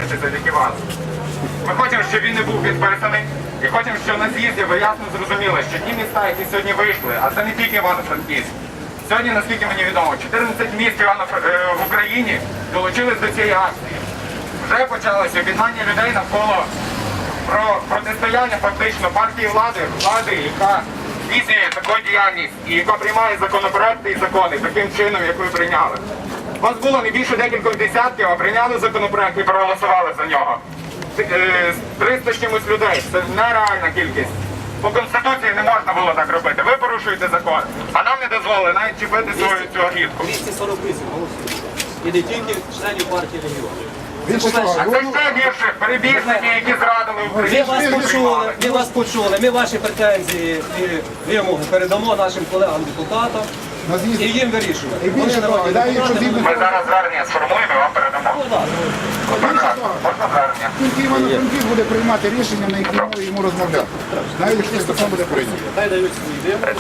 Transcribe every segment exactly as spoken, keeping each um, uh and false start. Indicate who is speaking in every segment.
Speaker 1: гроші завдяки вас. Ми хочемо, щоб він не був підписаний. І хочемо, щоб на з'їзді ви ясно зрозуміли, що ті міста, які сьогодні вийшли, а це не тільки Івано-Франківськ. Сьогодні, наскільки мені відомо, чотирнадцять міст в Україні долучились до цієї акції. Вже почалося об'єднання людей навколо про протистояння фактично партії влади, влади, яка здійснює таку діяльність і яка приймає законопроекти і закони таким чином, як ви прийняли. Вас було не більше декількох десятків, а прийняли законопроект і проголосували за нього. триста з чимось людей. Це нереальна кількість. По Конституції не можна було так робити. Ви порушуєте закон, а нам не дозволили навіть чіпити свою цю агітку.
Speaker 2: двісті сорок вісім голосів. І не тільки членів партії регіонів.
Speaker 1: А це ще більше перебіжники, які зрадили
Speaker 2: Ми
Speaker 1: Україну.
Speaker 2: вас почули, ми вас почули. Ми ваші претензії і вимоги передамо нашим колегам-депутатам і їм вирішувати.
Speaker 3: І більше того, дай, якщо згідно
Speaker 1: Ми зараз звернення сформуємо і вам передамо. Можна звернення?
Speaker 3: тільки Івано-Франківськ буде приймати рішення, на які мові йому розмовляти. Навіть якщо це буде прийнято.
Speaker 2: Хай дають свої вимоги.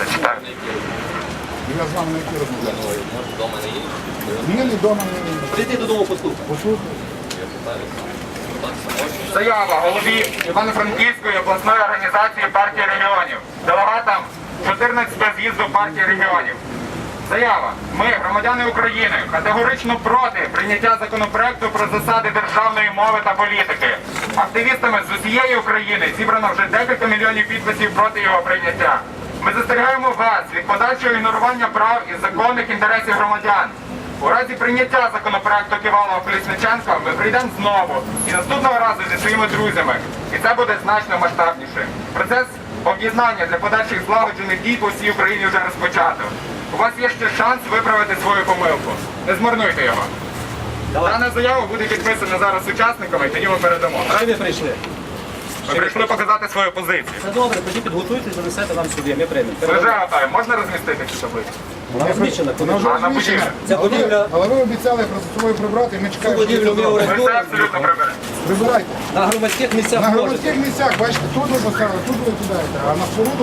Speaker 3: Я з вами на які розмовляти.
Speaker 2: Може, вдома не є?
Speaker 3: Ні, ні, вдома, ні.
Speaker 2: Прийти додому послухати.
Speaker 3: Послухайте.
Speaker 1: Заява голові Івано-Франківської обласної організації партії регіонів, делегатам чотирнадцятого з'їзду партії регіонів. Заява. Ми, громадяни України, категорично проти прийняття законопроекту про засади державної мови та політики. Активістами з усієї України зібрано вже декілька мільйонів підписів проти його прийняття. Ми застерігаємо вас від подальшого ігнорування прав і законних інтересів громадян. У разі прийняття законопроекту Ківалова-Колісниченка ми прийдемо знову і наступного разу зі своїми друзями. І це буде значно масштабніше. Процес об'єднання для подальших злагоджених дій по всій Україні вже розпочато. У вас є ще шанс виправити свою помилку. Не змарнуйте його. Дана заява буде підписана зараз учасниками, і тоді ми передамо.
Speaker 2: Що ви прийшли?
Speaker 1: Ми прийшли показати свою позицію.
Speaker 2: Це добре, тоді підготуйтесь, занесете нам сюди, ми приймемо.
Speaker 1: Ми вже готові. Можна розмістити цю таблицю?
Speaker 2: Вона розміщена.
Speaker 3: Вона вже
Speaker 1: А, на
Speaker 3: розміщена.
Speaker 1: будівлі.
Speaker 2: Ця
Speaker 3: Але-
Speaker 2: будівля-
Speaker 3: Але ви обіцяли просто собою прибрати, і ми чекаємо, що ви
Speaker 2: будівлю
Speaker 3: це
Speaker 2: ми
Speaker 3: зробите.
Speaker 1: Ми
Speaker 2: орендуємо.
Speaker 1: все абсолютно приберемо.
Speaker 3: Прибирайте.
Speaker 2: На громадських місцях
Speaker 3: На
Speaker 2: можете.
Speaker 3: громадських місцях, бачите, тут ви поставили, тут ви кидаєте, а на споруду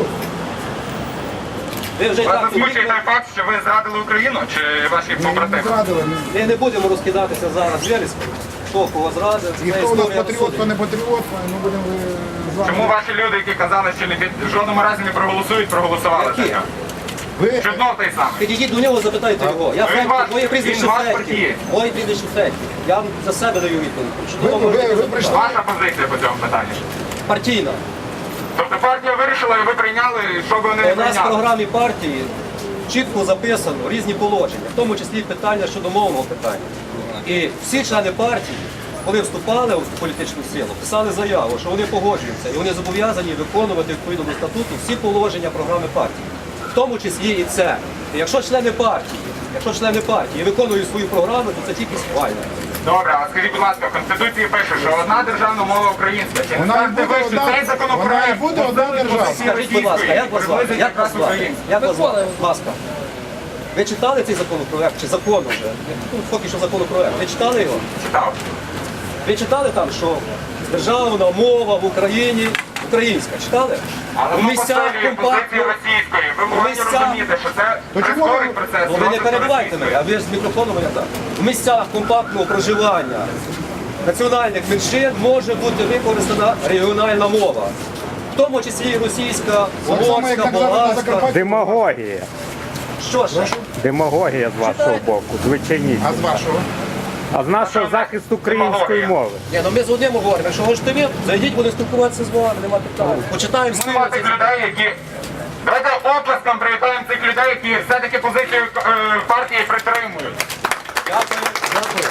Speaker 2: Ви вже і
Speaker 1: Вас
Speaker 2: так
Speaker 1: засмучує
Speaker 2: підійшли.
Speaker 1: той факт, що ви зрадили Україну чи ваші
Speaker 3: ми не
Speaker 1: побратими?
Speaker 3: зрадили. ми-
Speaker 2: Ми не будемо розкидатися зараз вирізками. Хто кого зрадив,
Speaker 3: І
Speaker 2: це
Speaker 3: хто у нас
Speaker 2: історія
Speaker 3: патріот, хто
Speaker 2: розсудить.
Speaker 3: не патріот, ми будемо е, з вами.
Speaker 1: Чому ваші люди, які казали, що не під в жодному разі не проголосують, проголосували за
Speaker 2: Які?
Speaker 1: нього?
Speaker 3: Ви
Speaker 1: Чудно той самий.
Speaker 2: Підійдіть до нього, запитайте його. Я
Speaker 1: Він
Speaker 2: Федьків,
Speaker 1: ваш-
Speaker 2: моє прізвище
Speaker 1: він ваш
Speaker 2: Федьків.
Speaker 1: партієць.
Speaker 2: Моє прізвище Федьків. Я вам за себе даю відповідь. Що
Speaker 3: Ви-
Speaker 2: того
Speaker 3: ви-
Speaker 2: можете
Speaker 3: ви
Speaker 2: запитати.
Speaker 3: прийшли-
Speaker 1: Ваша позиція по цьому питанню.
Speaker 2: Партійна.
Speaker 1: Тобто партія вирішила і ви прийняли, що ви не
Speaker 2: У нас в
Speaker 1: прийняли.
Speaker 2: програмі партії чітко записано різні положення, в тому числі питання щодо мовного питання. І всі члени партії, коли вступали в політичну силу, писали заяву, що вони погоджуються і вони зобов'язані виконувати відповідно до статуту всі положення програми партії, в тому числі і це. І якщо члени партії, якщо члени партії виконують свою програму, то це тільки схвально.
Speaker 1: Добре, а скажіть, будь ласка, в Конституції пише, що одна державна мова українська. Чи не
Speaker 3: Вона і
Speaker 1: скажете
Speaker 3: буде
Speaker 1: ви, що
Speaker 3: одна-
Speaker 1: цей законопроект
Speaker 3: вона і буде одна
Speaker 1: посилить
Speaker 3: держава.
Speaker 1: позиції
Speaker 2: Скажіть, будь ласка,
Speaker 1: російської,
Speaker 2: як вас звати?
Speaker 1: приблизить
Speaker 2: Як вас
Speaker 1: якраз
Speaker 2: звати?
Speaker 1: українську?
Speaker 2: Як вас звати? Будь ласка. Ви читали цей законопроект чи закон вже? Ну, поки що законопроект. Ви читали його?
Speaker 1: Читав.
Speaker 2: Ви читали там, що державна мова в Україні українська? Читали?
Speaker 1: Але
Speaker 2: У
Speaker 1: воно
Speaker 2: місцях
Speaker 1: посилює позиції
Speaker 2: компактно.
Speaker 1: російської. Ви повинні
Speaker 2: місцях-
Speaker 1: розуміти, що це
Speaker 3: То чому ви-
Speaker 1: прискорить процес.
Speaker 2: Ну, ви не
Speaker 1: розвитку
Speaker 2: перебивайте мене, а ви ж з мікрофоном я так. В місцях компактного проживання національних меншин може бути використана регіональна мова. В тому числі і російська,
Speaker 3: Так само, як
Speaker 2: угорська,
Speaker 3: так зараз на
Speaker 2: болгарська.
Speaker 3: Закарпатті.
Speaker 4: Демагогія.
Speaker 2: Що ж?
Speaker 4: Демагогія з вашого
Speaker 2: Читайте.
Speaker 4: боку, звичайність.
Speaker 3: А з вашого?
Speaker 4: А з нашого захист української мови.
Speaker 2: Ні, ну ми з одним говоримо, якщо хочете ви, зайдіть, будемо спілкуватися з вами, нема питань. Почитаємо
Speaker 1: Нема
Speaker 2: спільно.
Speaker 1: тих людей, які... Давайте оплеском привітаємо цих людей, які все-таки позицію е, партії притримують.
Speaker 2: Дякую, дякую.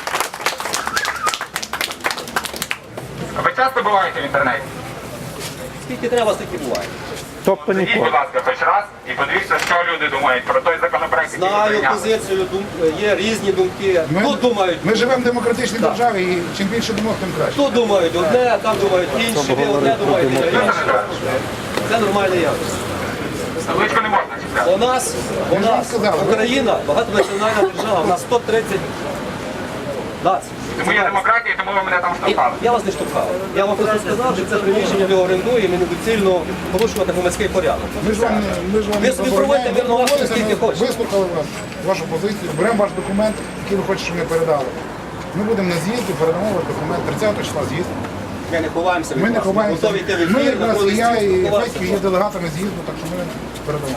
Speaker 1: Ви часто буваєте в інтернеті?
Speaker 2: Скільки треба, стільки буває.
Speaker 4: Тобто
Speaker 1: Зайдіть,
Speaker 4: ніколи.
Speaker 1: будь ласка, хоч раз і подивіться, що люди думають про той законопроект, який ви
Speaker 2: Знаю
Speaker 1: прийняли.
Speaker 2: позицію, дум- є різні думки. Тут думають,
Speaker 3: Ми живемо в демократичній державі, і чим більше думок, тим краще.
Speaker 2: тут думають одне, там думають інше, ви одне думаєте інше. Це нормальне явище.
Speaker 1: Табличку не можна читати.
Speaker 2: У нас, у
Speaker 3: ж вам
Speaker 2: нас
Speaker 3: сказали, ви-
Speaker 2: Україна багатонаціональна держава, у нас сто тридцять націй.
Speaker 1: Тому є демократія, тому ви мене там штовхали.
Speaker 2: Я вас не штовхав. Я вам просто сказав, що це приміщення ми орендуємо і недоцільно порушувати громадський порядок.
Speaker 3: Ми ж вам, ми ж вам
Speaker 2: Ви
Speaker 3: не
Speaker 2: собі
Speaker 3: забороняємо.
Speaker 2: проводьте
Speaker 3: Ми
Speaker 2: мирну акцію,
Speaker 3: домовилися,
Speaker 2: скільки
Speaker 3: ми
Speaker 2: хочете.
Speaker 3: вислухали вас, вашу позицію, беремо ваш документ, який ви хочете, щоб ми передали. Ми будемо на з'їзді, передамо документ тридцятого числа з'їзд.
Speaker 2: Ми не ховаємося від
Speaker 3: Ми не
Speaker 2: вас.
Speaker 3: ховаємося.
Speaker 2: Готові йти в
Speaker 3: Ми
Speaker 2: ефір,
Speaker 3: якраз
Speaker 2: на
Speaker 3: і я, і
Speaker 2: спілкуватися.
Speaker 3: Федько є делегатами з'їзду, так що ми передамо.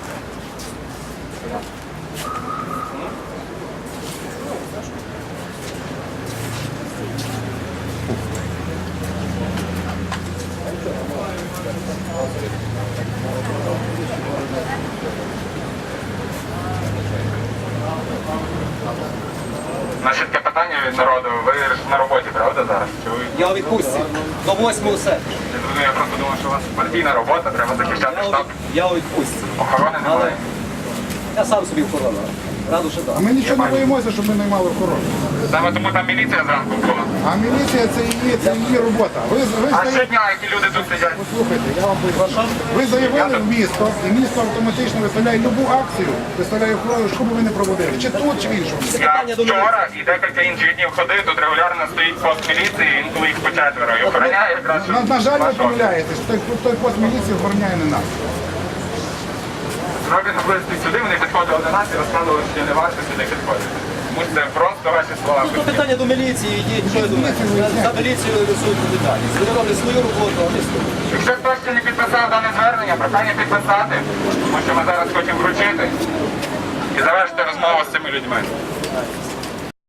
Speaker 1: Значить, таке питання від народу. Ви ж на роботі, правда, зараз? Чи ви?
Speaker 2: Я у відпустці до восьмого серпня.
Speaker 1: Я зрозумів, я просто думав, що у вас партійна робота, треба захищати
Speaker 2: Я у
Speaker 1: штаб.
Speaker 2: від- Я у відпустці.
Speaker 1: Охорони
Speaker 2: Але
Speaker 1: немає.
Speaker 2: я сам собі охорона. Раду що
Speaker 3: А
Speaker 2: так.
Speaker 3: ми нічого не боїмося, щоб ми наймали охорону.
Speaker 1: Саме тому там міліція зранку була.
Speaker 3: А міліція це її, це її робота. Ви, ви,
Speaker 1: А
Speaker 3: стає-
Speaker 1: щодня, які люди тут сидять.
Speaker 3: Послухайте, я вам поясню. Ви заявили в місто, і місто автоматично виставляє любу акцію, виставляє охорону, що би ви не проводили. Чи тут, чи в іншому.
Speaker 1: Я
Speaker 2: Питання до
Speaker 1: вчора і декілька інших днів ходив, тут регулярно стоїть пост міліції, інколи їх по четверо. І охороняє якраз.
Speaker 3: На, на жаль, ви
Speaker 1: вашого.
Speaker 3: помиляєтесь. Той, той пост міліції охороняє не нас.
Speaker 1: Зроблено близько сюди, вони підходили до нас і розказували, що не варто сюди підходити. Тому що це просто ваші слова.
Speaker 2: Ну, то питання до міліції, йдіть, що я думаю. За міліцію несуть відповідальність. Вони роблять свою роботу, а ми свою.
Speaker 1: Якщо хтось ще не підписав дане звернення, прохання підписати, тому що ми зараз хочемо вручити і завершити розмову з цими людьми.